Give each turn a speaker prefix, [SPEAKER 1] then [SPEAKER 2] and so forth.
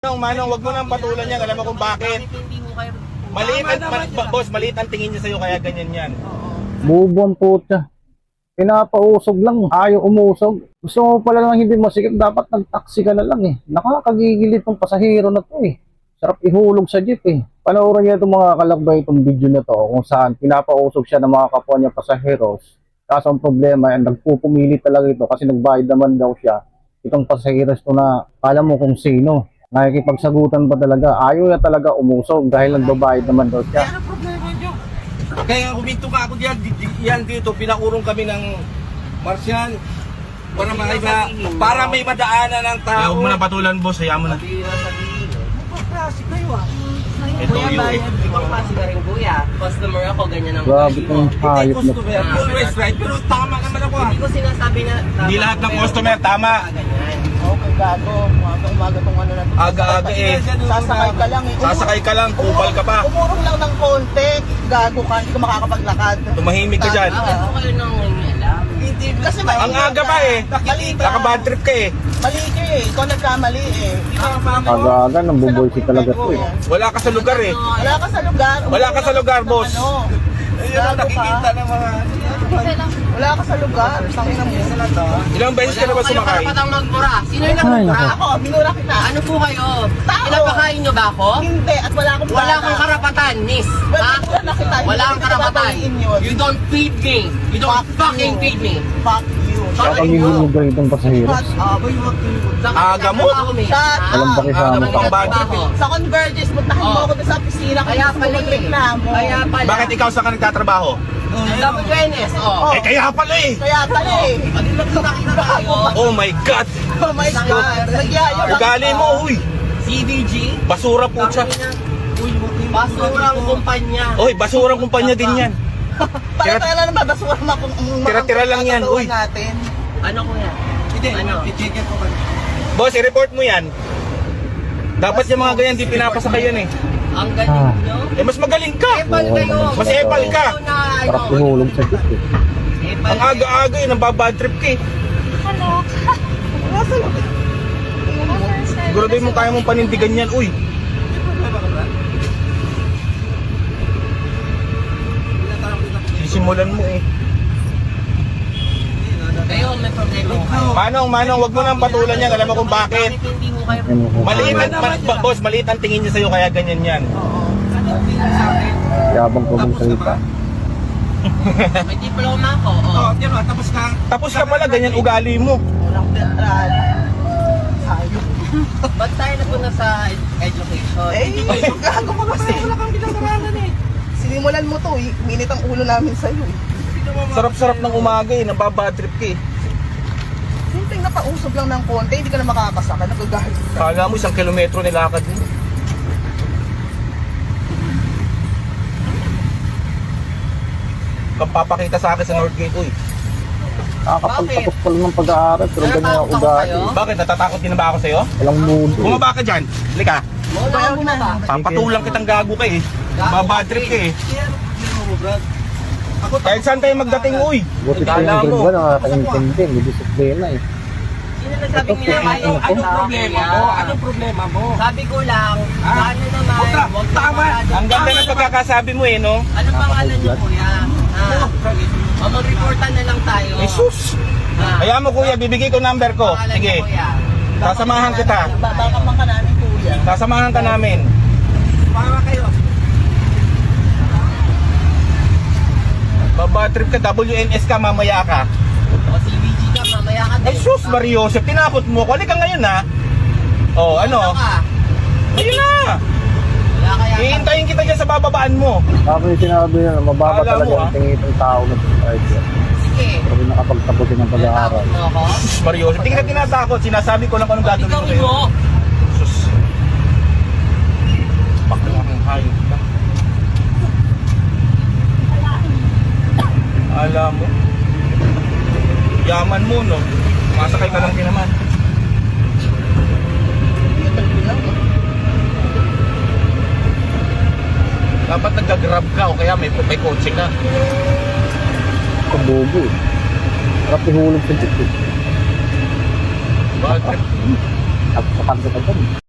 [SPEAKER 1] Manong, wag mo nang patulan yan. Alam mo kung bakit. Maliit boss, maliit ang tingin niya sa'yo kaya ganyan yan.
[SPEAKER 2] Bubong puta. Pinapausog lang, ayaw umusog. Gusto mo pala lang hindi masikip, dapat nag-taxi ka na lang eh. Nakakagigilit ng pasahero na to eh. Sarap ihulog sa jeep eh. Panoorin niya itong mga kalakbay itong video na to kung saan pinapausog siya ng mga kapwa niya pasaheros. Kaso ang problema, nagpupumili talaga ito kasi nagbayad naman daw siya. Itong pasaheros to na alam mo kung sino. Nakikipagsagutan pa talaga. Ayaw niya talaga umusog dahil nagbabayad naman daw siya.
[SPEAKER 1] Ano problema niyo? Kaya huminto ka ako diyan. Yan dito, pinaurong kami ng Martian para may madaanan ng tao. Huwag mo na patulan boss, hayaan mo na.
[SPEAKER 3] Klase kayo ah.
[SPEAKER 1] Ito
[SPEAKER 3] Kuya,
[SPEAKER 1] yung
[SPEAKER 3] bayad. Ibang klase ka rin kuya. Customer ako, ganyan ang
[SPEAKER 2] Grabe kong hayop na.
[SPEAKER 1] customer, always right. Pero tama naman ako ah.
[SPEAKER 3] Hindi ko sinasabi na...
[SPEAKER 1] Hindi lahat ng customer tama.
[SPEAKER 3] Ganyan.
[SPEAKER 4] Okay, gago. Umaga tong ano na to.
[SPEAKER 1] Aga-aga eh.
[SPEAKER 4] Sasakay ka lang eh.
[SPEAKER 1] Sasakay ka lang, kupal ka pa.
[SPEAKER 4] Umurong lang ng konti. Gago ka, hindi ka makakapaglakad.
[SPEAKER 1] Tumahimik ka dyan.
[SPEAKER 3] Bakit po kayo nang alam?
[SPEAKER 4] Hindi, kasi mali.
[SPEAKER 1] Ang aga pa eh.
[SPEAKER 4] Mali ka.
[SPEAKER 1] Naka-bad trip ka eh.
[SPEAKER 4] Mali ka eh. Ikaw nagkamali eh.
[SPEAKER 2] Aga-aga, nambuboysi talaga to eh.
[SPEAKER 1] Wala ka sa lugar eh.
[SPEAKER 4] Wala ka sa lugar.
[SPEAKER 1] Wala ka sa lugar, boss.
[SPEAKER 4] Ano? Gago ka.
[SPEAKER 1] ng mga...
[SPEAKER 4] Wala ka sa lugar. Tangina mo.
[SPEAKER 1] Ilang beses ka na ba sumakay?
[SPEAKER 3] Karapatang magmura. Sino yung
[SPEAKER 2] Ay,
[SPEAKER 3] nagmura?
[SPEAKER 4] Ako, minura kita.
[SPEAKER 3] Ano po kayo?
[SPEAKER 4] Tao.
[SPEAKER 3] Pinapakain nyo ba ako?
[SPEAKER 4] Hindi, at wala akong
[SPEAKER 3] Wala kang karapatan, miss. Ha?
[SPEAKER 4] Wala kita.
[SPEAKER 3] Wala kang karapatan.
[SPEAKER 4] You
[SPEAKER 3] You don't feed me. You don't fucking feed me.
[SPEAKER 4] Fuck you.
[SPEAKER 2] Kaya paghihilig ka itong pasaheros.
[SPEAKER 4] Shut up.
[SPEAKER 1] Aga mo?
[SPEAKER 2] Walang pakisama
[SPEAKER 1] pang bad trip eh.
[SPEAKER 4] Sa Convergence, puntahan mo
[SPEAKER 3] Oh.
[SPEAKER 4] ako doon sa opisina.
[SPEAKER 3] Kaya pala eh.
[SPEAKER 4] Reklamo.
[SPEAKER 3] Kaya pala.
[SPEAKER 1] Bakit ikaw saan ka nagtatrabaho?
[SPEAKER 3] WNS, oh.
[SPEAKER 4] Oh.
[SPEAKER 1] Eh kaya pala eh.
[SPEAKER 4] Kaya pala eh.
[SPEAKER 3] Ano lang nakita tayo?
[SPEAKER 1] Oh my God!
[SPEAKER 4] Oh my God. Nagyayo lang
[SPEAKER 1] Ugali
[SPEAKER 4] ito.
[SPEAKER 1] mo, uy!
[SPEAKER 3] CDG?
[SPEAKER 1] Basura po siya.
[SPEAKER 3] Basurang kumpanya.
[SPEAKER 1] Oy, basurang kumpanya din yan.
[SPEAKER 4] Pare-pare lang naman, basura na kung
[SPEAKER 1] Tira-tira lang yan, uy.
[SPEAKER 4] natin.
[SPEAKER 3] Ano kuya? Hindi, ano? I-check ko ba?
[SPEAKER 1] Boss, i-report mo yan. Dapat yung mga ganyan di pinapasakay yan eh.
[SPEAKER 3] Ang galing nyo.
[SPEAKER 1] Eh mas magaling ka.
[SPEAKER 3] Epal kayo.
[SPEAKER 1] Mas epal ka.
[SPEAKER 2] Sarap ihulog sa jeep eh.
[SPEAKER 1] Ang aga-aga eh, nababad trip ka eh.
[SPEAKER 5] Hello.
[SPEAKER 1] Siguraduhin mo kaya mong panindigan yan, uy. Sisimulan mo eh.
[SPEAKER 3] Kayo, may problema ko kayo.
[SPEAKER 1] Manong, wag mo nang patulan yan. Alam mo kung bakit.
[SPEAKER 3] Hindi mo kayo...
[SPEAKER 2] Ano ko?
[SPEAKER 1] Maliit boss, maliit ang tingin niya sa'yo kaya ganyan yan.
[SPEAKER 2] Yabang ko mong salita.
[SPEAKER 3] May diploma ako, oh.
[SPEAKER 1] Tapos ka pala, ganyan ugali mo.
[SPEAKER 4] Walang pera. Ayun.
[SPEAKER 3] Ba't tayo na po na sa education?
[SPEAKER 4] Eh, gago ka kasi. Wala kang pinag-aralan eh. Sinimulan mo to eh. Minit ang ulo namin sa'yo eh.
[SPEAKER 1] Sarap-sarap ng umaga eh, nababad trip ka eh.
[SPEAKER 4] Simpleng napausog lang ng konti, hindi ka na makakasaka. Nagagalit ka.
[SPEAKER 1] Kala mo 1 kilometro nilakad mo. Papakita sa akin sa Northgate, uy.
[SPEAKER 2] Nakakapagtapos pa lang ng pag-aaral pero ganyan ako
[SPEAKER 3] Natatakot
[SPEAKER 2] ugali.
[SPEAKER 3] kayo?
[SPEAKER 1] Bakit? Natatakot din na ba ako sa'yo?
[SPEAKER 2] Walang mood eh.
[SPEAKER 1] Bumaba ka dyan. Halika.
[SPEAKER 3] Wala kang bumaba.
[SPEAKER 1] Papatulang kitang gago ka eh. Babad trip ka eh. Kahit saan tayo magdating, uy.
[SPEAKER 2] Buti pa
[SPEAKER 1] Kala
[SPEAKER 2] yung
[SPEAKER 1] mo.
[SPEAKER 2] grade 1, nakakaintindi. May disiplina eh.
[SPEAKER 3] Sino nagsabing nilalayo?
[SPEAKER 1] Anong problema mo?
[SPEAKER 3] Sabi ko lang, sana naman, huwag
[SPEAKER 1] Tama. Ang ganda ng pagkakasabi mo eh, no?
[SPEAKER 3] Ano pangalan niyo kuya? O mag-reportan na lang tayo.
[SPEAKER 1] Jesus.
[SPEAKER 3] Ah.
[SPEAKER 1] Kaya mo kuya, bibigay ko number ko.
[SPEAKER 3] Pangalan
[SPEAKER 1] Sige.
[SPEAKER 3] niyo, kuya.
[SPEAKER 1] Sasamahan kita.
[SPEAKER 4] Baka man ka namin kuya.
[SPEAKER 1] Sasamahan ka namin.
[SPEAKER 4] Para kayo.
[SPEAKER 1] Babad trip ka, WNS ka, mamaya ka.
[SPEAKER 3] O CBG ka, mamaya ka din.
[SPEAKER 1] Ay sus, Mario, tinakot mo ko. Halika ngayon ha. Oh, ano?
[SPEAKER 3] ka?
[SPEAKER 1] Ayun na.
[SPEAKER 3] Wala kaya ka.
[SPEAKER 1] Hihintayin kita dyan sa bababaan mo.
[SPEAKER 2] Tapos yung sinabi na mababa
[SPEAKER 1] Kala
[SPEAKER 2] talaga
[SPEAKER 1] mo,
[SPEAKER 2] yung tingin ng tao na driver.
[SPEAKER 3] Sige.
[SPEAKER 2] Pero nakapagtapos din ng pag-aaral.
[SPEAKER 3] Tinatakot mo ako?
[SPEAKER 1] Mario, hindi kita tinatakot. Sinasabi ko lang kung anong gagawin ko
[SPEAKER 3] Tigawin
[SPEAKER 1] sa'yo.
[SPEAKER 3] mo.
[SPEAKER 1] Sus. Bakla kang hayop ka. Alam mo. Yaman mo, no? Masakay ka lang din naman. Dapat nag-grab ka o kaya may kotse ka.
[SPEAKER 2] Kabobo eh. Sarap ihulog sa jeep eh.
[SPEAKER 1] Bad trip.
[SPEAKER 2] At kapag ka